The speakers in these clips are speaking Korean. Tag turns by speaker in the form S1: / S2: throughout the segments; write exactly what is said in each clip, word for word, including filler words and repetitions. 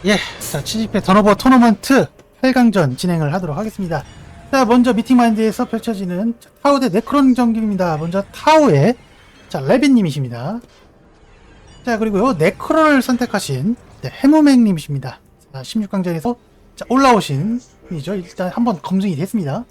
S1: 예, 자, 칠십 회 턴오버 토너먼트 팔 강전 진행을 하도록 하겠습니다. 자, 먼저 미팅마인드에서 펼쳐지는 타오 대 네크론 경기입니다. 먼저 타오의 자, 레빈님이십니다. 자, 그리고요, 네크론을 선택하신 네, 해무맹님이십니다. 자, 십육 강전에서 자, 올라오신 분이죠. 일단 한번 검증이 됐습니다.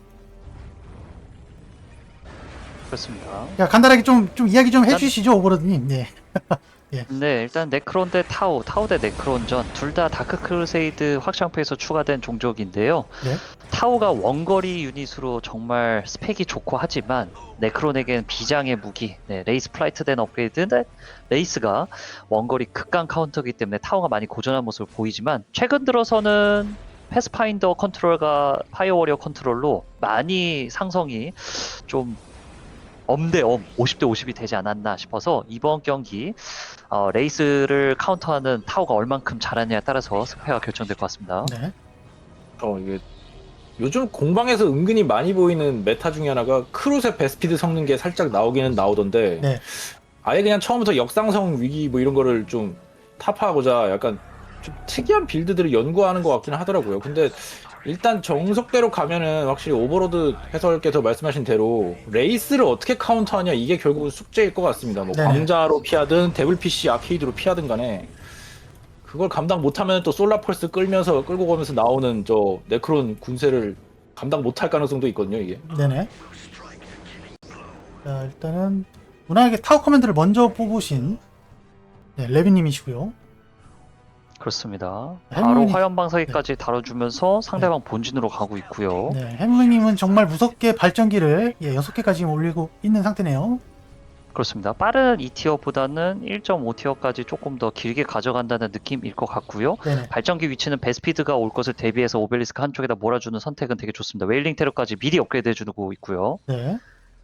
S2: 그렇습니다.
S1: 자, 간단하게 좀, 좀 이야기 좀 해주시죠, 오버로드님. 네. 예.
S2: 네, 일단 네크론 대 타오, 타오 대 네크론전 둘 다 다크 크루세이드 확장팩에서 추가된 종족인데요.
S1: 네.
S2: 타오가 원거리 유닛으로 정말 스펙이 좋고 하지만 네크론에겐 비장의 무기, 네, 레이스 플라이트 된 업그레이드인데 레이스가 원거리 극강 카운터이기 때문에 타오가 많이 고전한 모습을 보이지만 최근 들어서는 패스파인더 컨트롤과 파이어워리어 컨트롤로 많이 상성이 좀 엄대엄 오십 대 오십이 되지 않았나 싶어서 이번 경기 어, 레이스를 카운터하는 타오가 얼만큼 잘하느냐에 따라서 승패가 결정될 것 같습니다.
S1: 네.
S3: 어 이게 요즘 공방에서 은근히 많이 보이는 메타 중에 하나가 크루세 베스피드 섞는 게 살짝 나오기는 나오던데
S1: 네.
S3: 아예 그냥 처음부터 역상성 위기 뭐 이런 거를 좀 타파하고자 약간 좀 특이한 빌드들을 연구하는 것 같기는 하더라고요. 근데 일단 정석대로 가면은 확실히 오버로드 해설께서 말씀하신 대로 레이스를 어떻게 카운터하냐 이게 결국은 숙제일 것 같습니다. 뭐
S1: 네네.
S3: 광자로 피하든 데블 피씨 아케이드로 피하든 간에 그걸 감당 못하면 또 솔라펄스 끌면서 끌고 가면서 나오는 저 네크론 군세를 감당 못할 가능성도 있거든요 이게.
S1: 네네. 자, 일단은 무난하게 타워 커맨드를 먼저 뽑으신 네, 레빈님이시고요.
S2: 그렇습니다.
S1: 해물이-
S2: 바로 화염 방사기까지 다뤄주면서 상대방 본진으로 가고 있고요.
S1: 네, 해무님은 정말 무섭게 발전기를 예, 여섯 개까지 지금 올리고 있는 상태네요.
S2: 그렇습니다. 빠른 이 티어보다는 일 점 오 티어까지 조금 더 길게 가져간다는 느낌일 것 같고요.
S1: 네네.
S2: 발전기 위치는 베스피드가 올 것을 대비해서 오벨리스크 한쪽에다 몰아주는 선택은 되게 좋습니다. 웨일링 테러까지 미리 업그레이드 해주고 있고요.
S1: 네.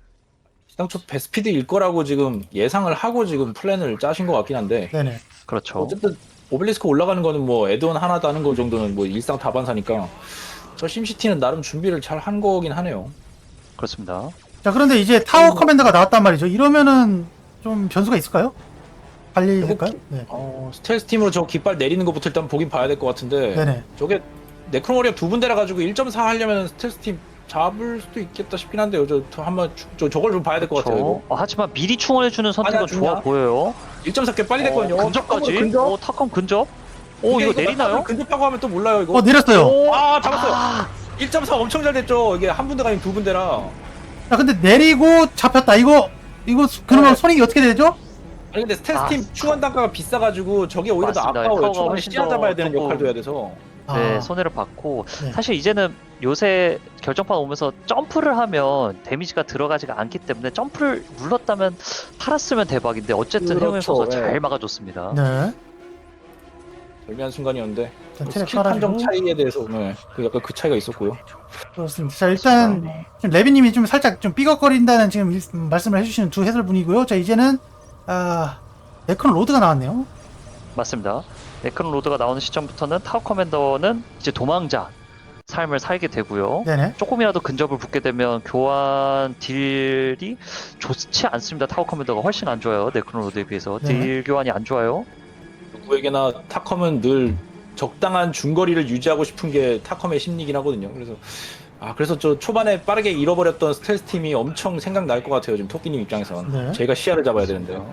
S3: 당초 베스피드일 거라고 지금 예상을 하고 지금 플랜을 짜신 것 같긴 한데
S1: 네네.
S2: 그렇죠.
S3: 어쨌든 오벨리스크 올라가는 거는 뭐 애드온 하나 다는 거 정도는 뭐 일상 다반사니까 저 심시티는 나름 준비를 잘 한 거긴 하네요.
S2: 그렇습니다.
S1: 자, 그런데 이제 타워 커맨드가 나왔단 말이죠. 이러면은 좀 변수가 있을까요? 관리될까요? 네.
S3: 어, 스텔스 팀으로 저 깃발 내리는 것부터 일단 보긴 봐야 될 것 같은데
S1: 네네.
S3: 저게 네크론 워리어 두 분대라 가지고 일 점 사 하려면 스텔스 팀 잡을 수도 있겠다 싶긴 한데요. 저, 저 한번 주- 저 저걸 좀 봐야 될 것 같아요.
S2: 그렇죠.
S3: 이거.
S2: 어, 하지만 미리 충원해주는 선택은
S3: 아니야,
S2: 좋아
S3: 중요하-
S2: 보여요.
S3: 일 점 사 꽤 빨리 됐거든요.
S2: 어, 근접까지.
S3: 근접?
S2: 어, 탑컴 근접. 오,
S3: 근데
S2: 이거 내리나요?
S3: 근접하고 하면 또 몰라요 이거.
S1: 어, 내렸어요.
S2: 오,
S3: 아 잡았어요.
S2: 아,
S3: 일 점 사 엄청 잘 됐죠. 이게 한 분대가 아니면 두 분대라.
S1: 자, 근데 내리고 잡혔다. 이거, 이거, 수- 그러면
S3: 네.
S1: 손익이 어떻게 되죠?
S3: 아니 근데 스텔스
S2: 아,
S3: 팀 충원 단가가 비싸가지고 저게 오히려 더
S2: 맞습니다.
S3: 아까워요.
S2: 타워가
S3: 초반에
S2: 훨씬
S3: 씨앗
S2: 더
S3: 잡아야 되는
S2: 조금-
S3: 역할도 해야 돼서.
S2: 네,
S1: 아,
S2: 손해를 받고
S1: 네.
S2: 사실 이제는 요새 결정판 오면서 점프를 하면 데미지가 들어가지가 않기 때문에 점프를 눌렀다면 팔았으면 대박인데 어쨌든
S3: 그렇죠,
S2: 해외 선수가
S3: 네.
S2: 잘 막아줬습니다.
S1: 네.
S3: 절묘한 순간이었는데
S1: 일단
S3: 뭐
S1: 테레
S3: 스킬 판정
S1: 깔아주고.
S3: 차이에 대해서 네, 그 약간 그 차이가 있었고요.
S1: 그렇습니다. 자, 일단 지금 레빈님이 좀 살짝 좀 삐걱거린다는 지금 일- 말씀을 해주시는 두 해설분이고요. 자, 이제는 아 네크론 로드가 나왔네요.
S2: 맞습니다. 네크론 로드가 나오는 시점부터는 타워 커맨더는 이제 도망자 삶을 살게 되고요.
S1: 네네.
S2: 조금이라도 근접을 붙게 되면 교환 딜이 좋지 않습니다. 타워 커맨더가 훨씬 안 좋아요. 네크론 로드에 비해서
S1: 네.
S2: 딜 교환이 안 좋아요.
S3: 누구에게나 타컴은 늘 적당한 중거리를 유지하고 싶은 게 타컴의 심리긴 하거든요. 그래서 아 그래서 저 초반에 빠르게 잃어버렸던 스텔스 팀이 엄청 생각날 것 같아요. 지금 토끼님 입장에선
S1: 네.
S3: 제가 시야를 잡아야 되는데요.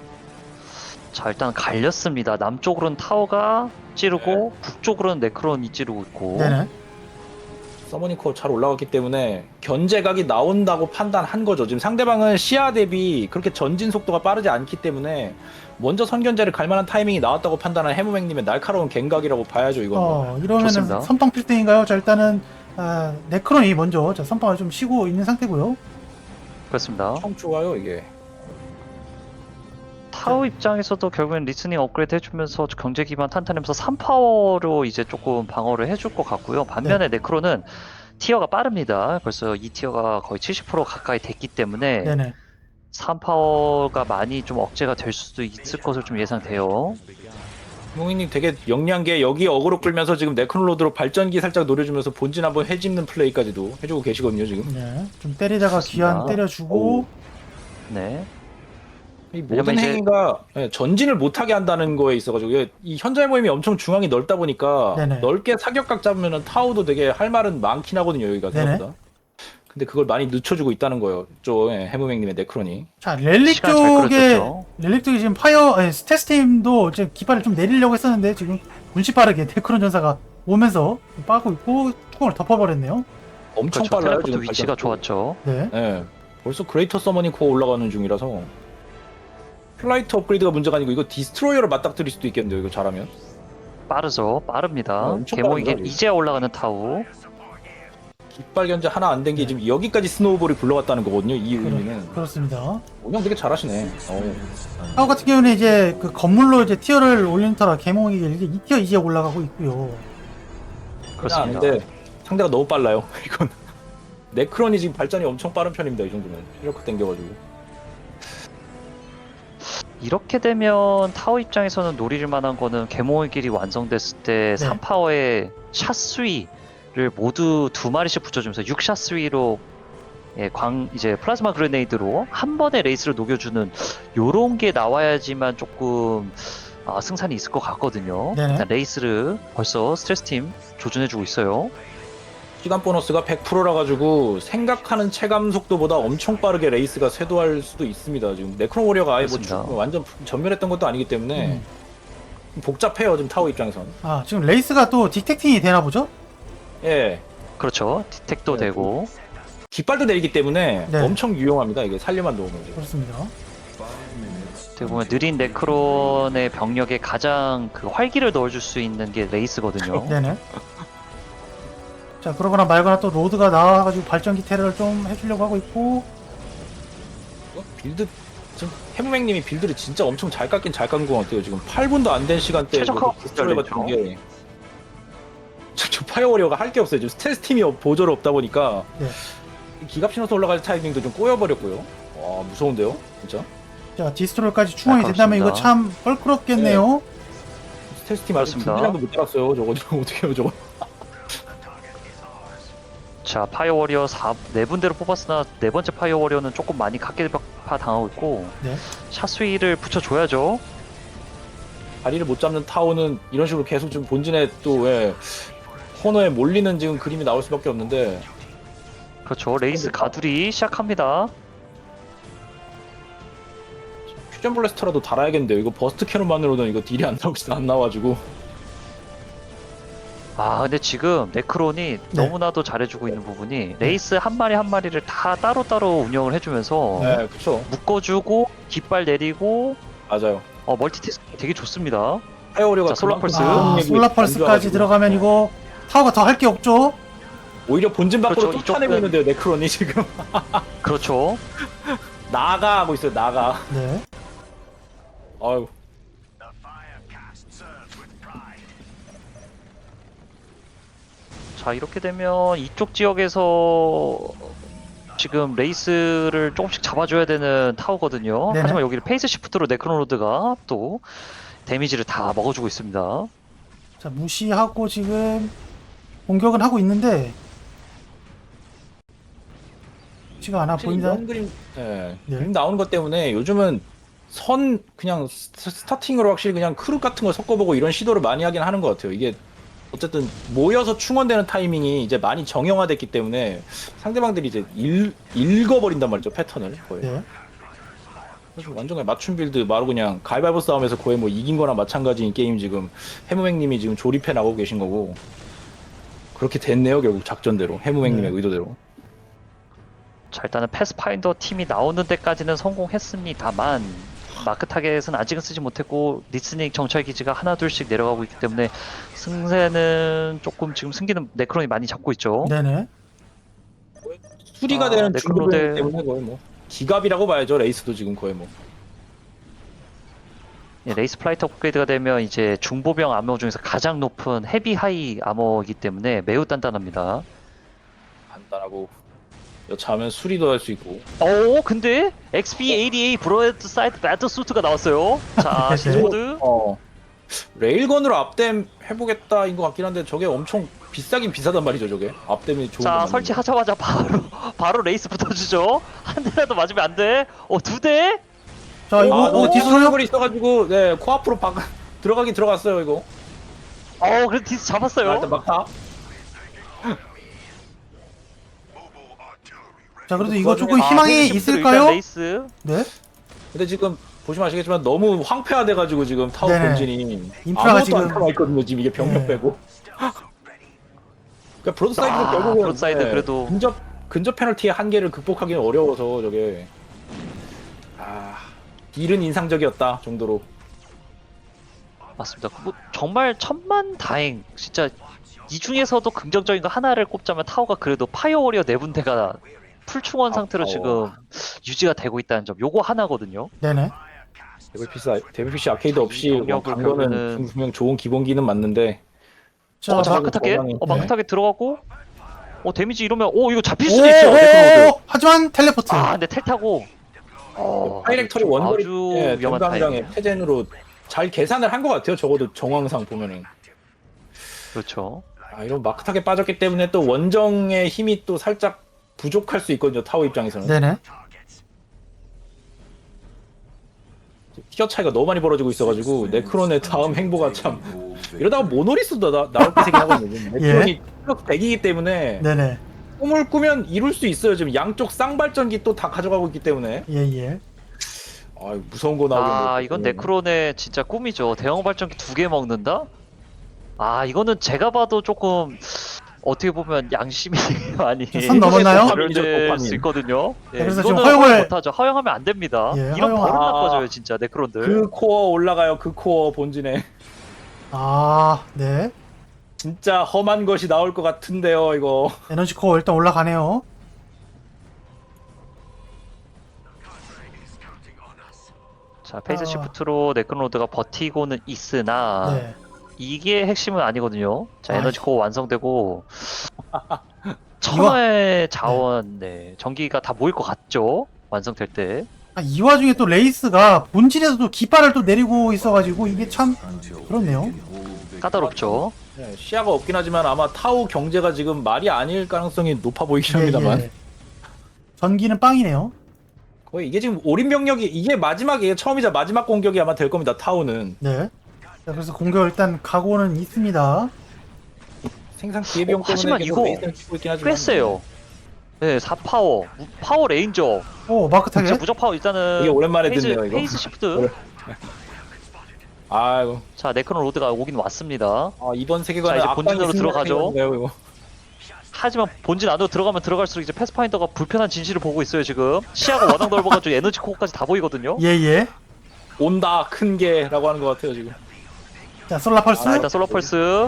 S2: 자, 일단 갈렸습니다. 남쪽으로는 타워가 찌르고 북쪽으로는 네크론이 찌르고 있고.
S1: 네네.
S3: 서머닝 코어 잘 올라갔기 때문에 견제각이 나온다고 판단한 거죠. 지금 상대방은 시야 대비 그렇게 전진 속도가 빠르지 않기 때문에 먼저 선견제를 갈 만한 타이밍이 나왔다고 판단한 해무맹님의 날카로운 갱각이라고 봐야죠. 이건
S1: 어, 이러면은
S2: 좋습니다.
S1: 선빵 필등인가요? 자, 일단은 아, 네크론이 먼저 자, 선빵을 좀 쉬고 있는 상태고요.
S2: 그렇습니다.
S3: 엄청 좋아요 이게.
S2: 타워 입장에서도 결국엔 리스닝 업그레이드 해주면서 경제 기반 탄탄하면서 삼 파워로 이제 조금 방어를 해줄 것 같고요. 반면에 네크론은 티어가 빠릅니다. 벌써 이 티어가 거의 칠십 퍼센트 가까이 됐기 때문에
S1: 네네.
S2: 삼 파워가 많이 좀 억제가 될 수도 있을 것으로 좀 예상돼요.
S3: 해무맹님 되게 영리한 게 여기 어그로 끌면서 지금 네크놀로드로 발전기 살짝 노려주면서 본진 한번 해집는 플레이까지도 해주고 계시거든요 지금.
S1: 네. 좀 때리다가
S2: 좋습니다.
S1: 귀환 때려주고.
S3: 오.
S2: 네.
S3: 이
S2: 왜냐면
S3: 모든
S2: 이제-
S3: 행위가 예, 전진을 못하게 한다는 거에 있어가지고 이게 이 현자의 모임이 엄청 중앙이 넓다 보니까
S1: 네네.
S3: 넓게 사격각 잡으면은 타워도 되게 할 말은 많긴 하거든요 여기가
S1: 네네.
S3: 생각보다. 근데 그걸 많이 늦춰주고 있다는 거예요. 저 예, 해무맹님의 네크론이.
S1: 자, 렐릭
S2: 시간 잘
S1: 쪽에
S2: 끌어줬죠.
S1: 렐릭 쪽에 지금 파이어 아니, 스텔스 팀도 지금 깃발을 좀 내리려고 했었는데 지금 문시 빠르게 데크론 전사가 오면서 빠고 있고 뚜껑을 덮어버렸네요.
S3: 엄청
S2: 그렇죠.
S3: 빨라요
S2: 텔레포트
S3: 지금
S2: 위치가
S3: 발전도.
S2: 좋았죠.
S1: 네.
S3: 예. 벌써 그레이터 서머닝 코어 올라가는 중이라서 플라이트 업그레이드가 문제가 아니고 이거 디스트로이어를 맞닥뜨릴 수도 있겠는데요 이거 잘하면.
S2: 빠르죠. 빠릅니다.
S3: 어, 엄청
S2: 개몽이긴
S3: 빠릅니다,
S2: 이제야 올라가는 타우.
S3: 깃발 견제 하나 안 된 게
S1: 네.
S3: 지금 여기까지 스노우볼이 굴러갔다는 거거든요 이 의미는.
S1: 그렇, 그렇습니다.
S3: 운영 되게 잘하시네. 어.
S1: 타워 같은 경우는 이제 그 건물로 이제 티어를 올리는 터라 개몽이 이제 이 티어 이제 올라가고 있고요.
S2: 그렇습니다.
S3: 근데 상대가 너무 빨라요. 이건 네크론이 지금 발전이 엄청 빠른 편입니다. 이 정도면 이렇게 당겨가지고.
S2: 이렇게 되면 타워 입장에서는 노릴 만한 거는 개몽의 길이 완성됐을 때
S1: 네.
S2: 삼 파워의 샷 수위를 모두 두 마리씩 붙여주면서 육 샷 수위로 예, 광 이제 플라즈마 그레네이드로 한 번에 레이스를 녹여주는 요런 게 나와야지만 조금 아, 승산이 있을 것 같거든요.
S1: 네네.
S2: 일단 레이스를 벌써 스트레스 팀 조준해주고 있어요.
S3: 시간 보너스가 백 퍼센트라 가지고 생각하는 체감 속도보다 엄청 빠르게 레이스가 쇄도할 수도 있습니다. 지금 네크론 워리어가 아예 뭐
S2: 그렇습니다.
S3: 주- 완전 전멸했던 것도 아니기 때문에
S1: 음.
S3: 복잡해요. 지금 타워 입장에선.
S1: 아, 지금 레이스가 또 디텍팅이 되나 보죠?
S3: 예.
S2: 그렇죠. 디텍도
S3: 네,
S2: 되고
S3: 깃발도 내리기 때문에
S1: 네.
S3: 엄청 유용합니다. 이게 살려만 놓으면 지금.
S1: 그렇습니다.
S2: 어떻게 보면 느린 네크론의 병력에 가장 그 활기를 넣어줄 수 있는 게 레이스거든요.
S1: 네네. 자, 그러거나 말거나 또 로드가 나와가지고 발전기 테러를 좀 해주려고 하고 있고.
S3: 어? 빌드 지금 해무맹님이 빌드를 진짜 엄청 잘 깎긴 잘 깎은 것 같아요. 지금 팔 분도 안 된 시간대에
S2: 최적화가
S3: 디스트로이 같은
S2: 됐죠.
S3: 게 저, 저 파이어워리어가 할 게 없어요. 지금 스텔스 팀이 보조로 없다 보니까
S1: 네.
S3: 기갑 신호서 올라갈 타이밍도 좀 꼬여버렸고요. 와 무서운데요, 진짜.
S1: 자, 디스트로이까지 충원이
S2: 아,
S1: 된다면 이거
S2: 그렇습니다.
S1: 참 껄끄럽겠네요.
S3: 스텔스 팀 아직
S2: 그렇습니다.
S3: 분량도 못 따랐어요. 저거 저거 어떻게 해요, 저거.
S2: 자, 파이어 워리어 사, 네 분대로 뽑았으나 네 번째 파이어 워리어는 조금 많이 각계파 당하고 있고
S1: 네.
S2: 샷 수위를 붙여줘야죠.
S3: 다리를 못 잡는 타워는 이런 식으로 계속 좀 본진에 또 예, 코너에 몰리는 지금 그림이 나올 수밖에 없는데
S2: 그렇죠. 레이스 가두리 시작합니다.
S3: 퓨전 블래스터라도 달아야겠는데요. 이거 버스트 캐논만으로는 이거 딜이 안 나오지 안 나와가지고.
S2: 아, 근데 지금 네크론이 너무나도 잘해주고 있는 부분이 레이스 한 마리 한 마리를 다 따로따로 운영을 해주면서
S3: 네, 그쵸.
S2: 묶어주고 깃발 내리고
S3: 맞아요.
S2: 어, 멀티태스킹 되게 좋습니다.
S3: 파이어워리어가
S2: 자, 솔라펄스.
S1: 아, 솔라펄스까지 들어가면 이거 타워가 더 할 게 없죠?
S3: 오히려 본진 밖으로
S2: 그렇죠,
S3: 쫓아내고
S2: 이쪽은-
S3: 있는데요. 네크론이 지금
S2: 그렇죠.
S3: 나가 하고 있어요. 나가.
S1: 네.
S3: 아유.
S2: 자, 이렇게 되면 이쪽 지역에서 지금 레이스를 조금씩 잡아줘야 되는 타워거든요.
S1: 네네.
S2: 하지만 여기를 페이스 시프트로 네크로노드가 또 데미지를 다 먹어주고 있습니다.
S1: 자, 무시하고 지금 공격은 하고 있는데 쉽지가 않아
S3: 확실히
S1: 보인다.
S3: 이런 그림, 예,
S1: 네.
S3: 그림 나오는 것 때문에 요즘은 선 그냥 스- 스타팅으로 확실히 그냥 크루 같은 걸 섞어보고 이런 시도를 많이 하긴 하는 것 같아요. 이게 어쨌든 모여서 충원되는 타이밍이 이제 많이 정형화됐기 때문에 상대방들이 이제 읽, 읽어버린단 말이죠. 패턴을 거의.
S1: 네.
S3: 그래서 완전 그냥 맞춤 빌드 바로 그냥 가위바위보 싸움에서 거의 뭐 이긴 거나 마찬가지인 게임 지금 해무맹님이 지금 조립해 나가고 계신 거고 그렇게 됐네요. 결국 작전대로 해무맹님의
S1: 네.
S3: 의도대로.
S2: 자, 일단은 패스파인더 팀이 나오는 데까지는 성공했습니다만 마크 타겟은 아직은 쓰지 못했고 리스닝 정찰 기지가 하나 둘씩 내려가고 있기 때문에 승세는 조금 지금 승기는 네크론이 많이 잡고 있죠.
S1: 네네.
S3: 수리가
S2: 아,
S3: 되는
S2: 네크로데-
S3: 중급이기 때문에 거의 뭐 기갑이라고 봐야죠. 레이스도 지금 거의 뭐.
S2: 예, 레이스 플라이트 업그레이드가 되면 이제 중보병 아머 중에서 가장 높은 헤비 하이 아머이기 때문에 매우 단단합니다.
S3: 간단하고 여차하면 수리도 할 수 있고.
S2: 오, 근데 엑스피 에이티에이 브로드 사이트 배틀 수트가 나왔어요. 자,
S1: 네.
S2: 시즈모드.
S3: 어 레일건으로 앞댐 해보겠다인 것 같긴 한데 저게 엄청 비싸긴 비싸단 말이죠. 저게 앞댐이 좋은
S2: 자,
S3: 건
S2: 설치하자마자 바로 바로 레이스 붙어주죠. 한 대라도 맞으면 안 돼. 어, 두 대?
S1: 자 이거
S3: 아,
S1: 어,
S3: 너무
S1: 디스로요?
S3: 디스로이 있어가지고 네 코앞으로 박 들어가긴 들어갔어요 이거.
S2: 어, 그래도 디스
S3: 아,
S2: 잡았어요.
S3: 일단 막타.
S1: 자 그래도 이거 조금
S2: 아,
S1: 희망이
S2: 페이지 시프트로 일단
S1: 있을까요?
S2: 레이스.
S1: 네.
S3: 근데 지금 보시면 아시겠지만 너무 황폐화돼가지고 지금 타워
S1: 네네.
S3: 본진이
S1: 인프라가
S3: 아무것도
S1: 지금-
S3: 안 남아 있거든요. 지금 이게 병력
S1: 네.
S3: 빼고. 그러니까 브로드사이드도
S2: 아,
S3: 결국은
S2: 브로드사이드
S3: 네,
S2: 그래도-
S3: 근접 근접 페널티의 한계를 극복하기는 어려워서 저게 아 딜은 인상적이었다 정도로.
S2: 맞습니다. 뭐 정말 천만 다행. 진짜 이 중에서도 긍정적인 거 하나를 꼽자면 타워가 그래도 파이어워리어 네 분대가 풀충원
S3: 아,
S2: 상태로
S3: 어.
S2: 지금 유지가 되고 있다는 점. 요거 하나거든요.
S1: 네네.
S3: 데빌피스 데빌피시 아케이드 없이
S2: 병력을
S3: 간 거는
S2: 결국에는-
S3: 분명 좋은 기본기는 맞는데
S1: 자
S2: 어, 자,
S1: 마-
S2: 마크 타겟?
S3: 정황이-
S2: 어, 마크
S1: 네.
S2: 타겟 들어가고 어, 데미지 이러면 오, 이거 잡힐
S1: 오,
S2: 수도 있어요. 네크로드.
S1: 오, 하지만 텔레포트.
S2: 아, 근데 텔 타고 어,
S3: 파이렉터리
S2: 아주
S3: 원거리
S2: 아주
S3: 예,
S2: 위험한
S3: 전강장의
S2: 타이밍.
S3: 패젠으로 잘 계산을 한 것 같아요. 적어도 정황상 보면은.
S2: 그렇죠.
S3: 아, 이런 마크 타겟 빠졌기 때문에 또 원정의 힘이 또 살짝 부족할 수 있거든요. 타워 입장에서는.
S1: 네네.
S3: 티어 차이가 너무 많이 벌어지고 있어가지고 네크론의 다음 행보가 참 이러다가 모노리스도 나, 나올 게 생긴 하거든요. 네크론이 티어 백이기 때문에
S1: 네네.
S3: 꿈을 꾸면 이룰 수 있어요. 지금 양쪽 쌍발전기 또 다 가져가고 있기 때문에.
S1: 예예.
S3: 아 무서운 거 나오긴
S2: 아,
S3: 뭐-
S2: 이건 네크론의 진짜 꿈이죠. 대형 발전기 두 개 먹는다? 아, 이거는 제가 봐도 조금 어떻게 보면 양심이 많이
S1: 선 넘었나요?
S2: 결될
S3: 도파민.
S2: 수 있거든요. 예,
S1: 그래서
S2: 이거는
S1: 지금 허용을-
S2: 허용 못하죠. 허용하면 안 됩니다.
S1: 예,
S2: 이런
S1: 허용-
S2: 버릇
S3: 아.
S2: 나빠져요, 진짜 네크론들.
S3: 그 코어 올라가요. 그 코어 본진에
S1: 아 네.
S3: 진짜 험한 것이 나올 것 같은데요. 이거.
S1: 에너지 코어 일단 올라가네요.
S2: 자, 페이스
S1: 아.
S2: 시프트로 네크로드가 버티고는 있으나
S1: 네.
S2: 이게 핵심은 아니거든요. 자,
S1: 아,
S2: 에너지 코어 완성되고 천하의 자원, 네, 전기가 다 모일 것 같죠? 완성될 때.
S1: 아, 이 와중에 또 레이스가 본진에서도 깃발을 또 내리고 있어가지고 이게 참 그렇네요.
S2: 까다롭죠.
S3: 네, 시야가 없긴 하지만 아마 타워 경제가 지금 말이 아닐 가능성이 높아 보이긴
S1: 예,
S3: 합니다만
S1: 예. 전기는 빵이네요.
S3: 거의 이게 지금 올인 병력이 이게 마지막이에요. 처음이자 마지막 공격이 아마 될 겁니다. 타워는
S1: 네. 자, 그래서 공격 일단 각오는 있습니다.
S3: 생산 기회비용
S2: 어,
S3: 때문에
S2: 하지만
S3: 계속
S2: 이거
S3: 레이스를 치고 있긴 하지만
S2: 꽤 세요. 네, 사 파워, 무- 파워 레인저.
S1: 오 마크 타겟.
S2: 진짜 무적 파워 일단은
S3: 이게 오랜만에
S2: 페이스,
S3: 듣네요, 이거.
S2: 페이스 시프트.
S3: 아이고
S2: 자, 네크론 로드가 오긴 왔습니다.
S3: 아, 이번 세계관은
S2: 자, 이제
S3: 악당이
S2: 본진으로
S3: 승리하는
S2: 들어가죠.
S3: 세계관인가요, 이거?
S2: 하지만 본진 안으로 들어가면 들어갈수록 이제 패스파인더가 불편한 진실을 보고 있어요, 지금. 시야가 워낙 넓어가지고 에너지 코어까지 다 보이거든요.
S1: 예예.
S3: 온다 큰 게라고 하는 것 같아요 지금.
S1: 자 솔라 펄스.
S2: 자, 일단 솔로 펄스.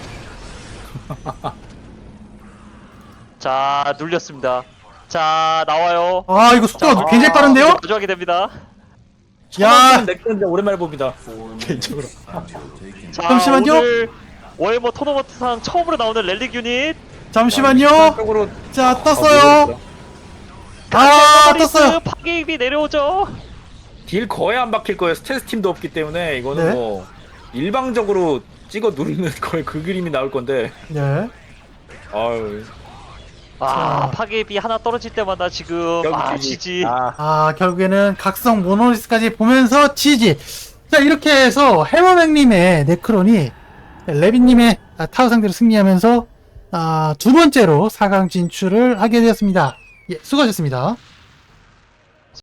S2: 자, 눌렸습니다. 자, 나와요.
S1: 아 이거 속도가
S2: 자,
S1: 굉장히
S2: 아,
S1: 빠른데요?
S2: 마주하게 됩니다.
S1: 야.
S3: 넥슨인데 오랜만에 봅니다. 개인적으로.
S2: 자,
S1: 잠시만요.
S2: 오늘 월머 토너먼트상 처음으로 나오는 렐릭 유닛.
S1: 잠시만요.
S3: 쪽으로
S1: 자 떴어요. 아 떴어요.
S2: 파괴입이 내려오죠.
S3: 딜 거의 안 박힐 거예요. 스텔스 팀도 없기 때문에 이거는
S1: 네.
S3: 뭐 일방적으로 찍어 누르는 거의 그 그림이 나올 건데.
S1: 네.
S3: 아유.
S2: 아,
S1: 자.
S2: 파괴입이 하나 떨어질 때마다 지금
S3: 여기
S2: 아,
S3: 지지.
S2: 지지.
S3: 아,
S1: 아 결국에는 각성 모노리스까지 보면서 지지. 자 이렇게 해서 해머맥님의 네크론이 레빈님의 아, 타워 상대로 승리하면서 아, 두 번째로 사 강 진출을 하게 되었습니다. 예, 수고하셨습니다.